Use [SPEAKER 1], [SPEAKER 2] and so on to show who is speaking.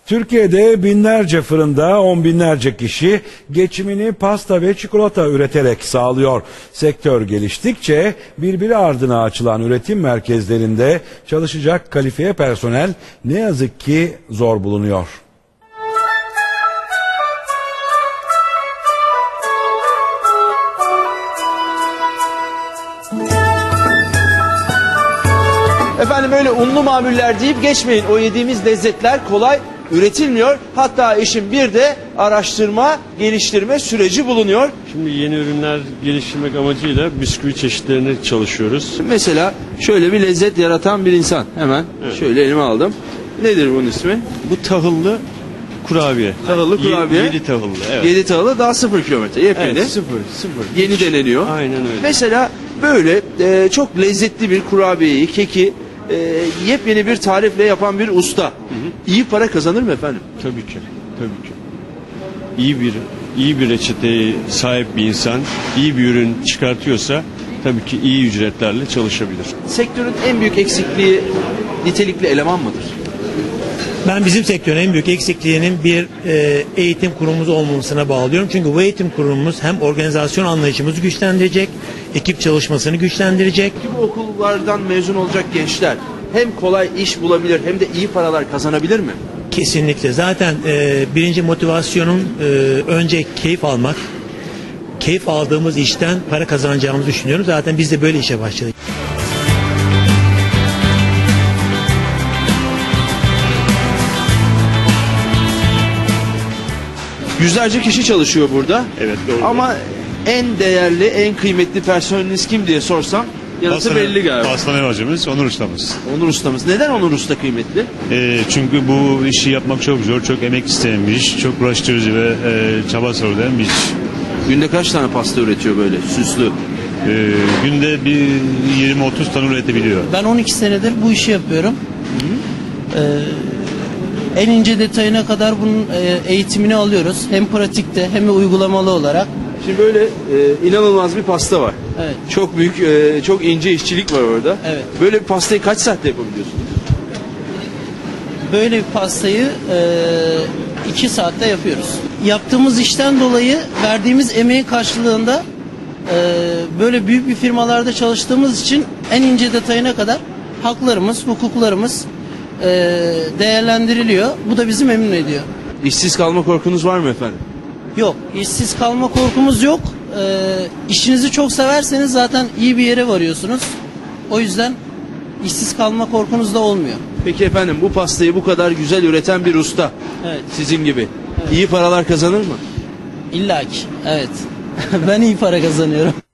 [SPEAKER 1] Türkiye'de binlerce fırında on binlerce kişi geçimini pasta ve çikolata üreterek sağlıyor. Sektör geliştikçe birbiri ardına açılan üretim merkezlerinde çalışacak kalifiye personel ne yazık ki zor bulunuyor.
[SPEAKER 2] Efendim öyle unlu mamuller deyip geçmeyin. O yediğimiz lezzetler kolay üretilmiyor. Hatta işin bir de araştırma, geliştirme süreci bulunuyor.
[SPEAKER 3] Şimdi yeni ürünler geliştirmek amacıyla bisküvi çeşitlerine çalışıyoruz.
[SPEAKER 2] Mesela şöyle bir lezzet yaratan bir insan. Hemen şöyle elime aldım. Nedir bunun ismi?
[SPEAKER 3] Bu tahıllı kurabiye.
[SPEAKER 2] Tahıllı kurabiye.
[SPEAKER 3] 7 tahıllı. Evet.
[SPEAKER 2] 7 tahıllı daha 0 kilometre. Yepyeni.
[SPEAKER 3] Evet, sıfır.
[SPEAKER 2] Yeni deneniyor.
[SPEAKER 3] Aynen öyle.
[SPEAKER 2] Mesela böyle çok lezzetli bir kurabiyeyi, keki yepyeni bir tarifle yapan bir usta. İyi para kazanır mı efendim?
[SPEAKER 3] Tabii ki. Tabii ki. İyi bir reçeteye sahip bir insan iyi bir ürün çıkartıyorsa tabii ki iyi ücretlerle çalışabilir.
[SPEAKER 2] Sektörün en büyük eksikliği nitelikli eleman mıdır?
[SPEAKER 4] Ben bizim sektörün en büyük eksikliğinin bir eğitim kurumumuz olmamasına bağlıyorum. Çünkü bu eğitim kurumumuz hem organizasyon anlayışımızı güçlendirecek, ekip çalışmasını güçlendirecek.
[SPEAKER 2] Bu okullardan mezun olacak gençler hem kolay iş bulabilir hem de iyi paralar kazanabilir mi?
[SPEAKER 4] Kesinlikle. Zaten birinci motivasyonun önce keyif almak. Keyif aldığımız işten para kazanacağımızı düşünüyorum. Zaten biz de böyle işe başladık.
[SPEAKER 2] Yüzlerce kişi çalışıyor burada.
[SPEAKER 3] Evet, doğru.
[SPEAKER 2] Ama en değerli, en kıymetli personeliniz kim diye sorsam yanıtı belli galiba.
[SPEAKER 5] Pastane bacımız, Onur ustamız.
[SPEAKER 2] Onur ustamız. Neden Onur usta kıymetli?
[SPEAKER 5] Çünkü bu işi yapmak çok zor, çok emek isteyen bir iş, çok uğraştırıcı ve çaba sarılan bir iş.
[SPEAKER 2] Günde kaç tane pasta üretiyor böyle süslü?
[SPEAKER 5] Günde bir 20-30 tane üretebiliyor.
[SPEAKER 6] Ben 12 senedir bu işi yapıyorum. En ince detayına kadar bunun eğitimini alıyoruz. Hem pratikte hem de uygulamalı olarak.
[SPEAKER 2] Şimdi böyle inanılmaz bir pasta var.
[SPEAKER 6] Evet.
[SPEAKER 2] Çok büyük, çok ince işçilik var orada.
[SPEAKER 6] Evet.
[SPEAKER 2] Böyle bir pastayı kaç saatte yapabiliyorsunuz?
[SPEAKER 6] Böyle bir pastayı 2 saatte yapıyoruz. Yaptığımız işten dolayı verdiğimiz emeğin karşılığında böyle büyük bir firmalarda çalıştığımız için en ince detayına kadar haklarımız, hukuklarımız değerlendiriliyor. Bu da bizi memnun ediyor.
[SPEAKER 2] İşsiz kalma korkunuz var mı efendim?
[SPEAKER 6] Yok, işsiz kalma korkumuz yok. İşinizi çok severseniz zaten iyi bir yere varıyorsunuz. O yüzden işsiz kalma korkunuz da olmuyor.
[SPEAKER 2] Peki efendim bu pastayı bu kadar güzel üreten bir usta
[SPEAKER 6] Evet.
[SPEAKER 2] sizin gibi iyi paralar kazanır mı?
[SPEAKER 6] İlla ki, evet. Ben iyi para kazanıyorum.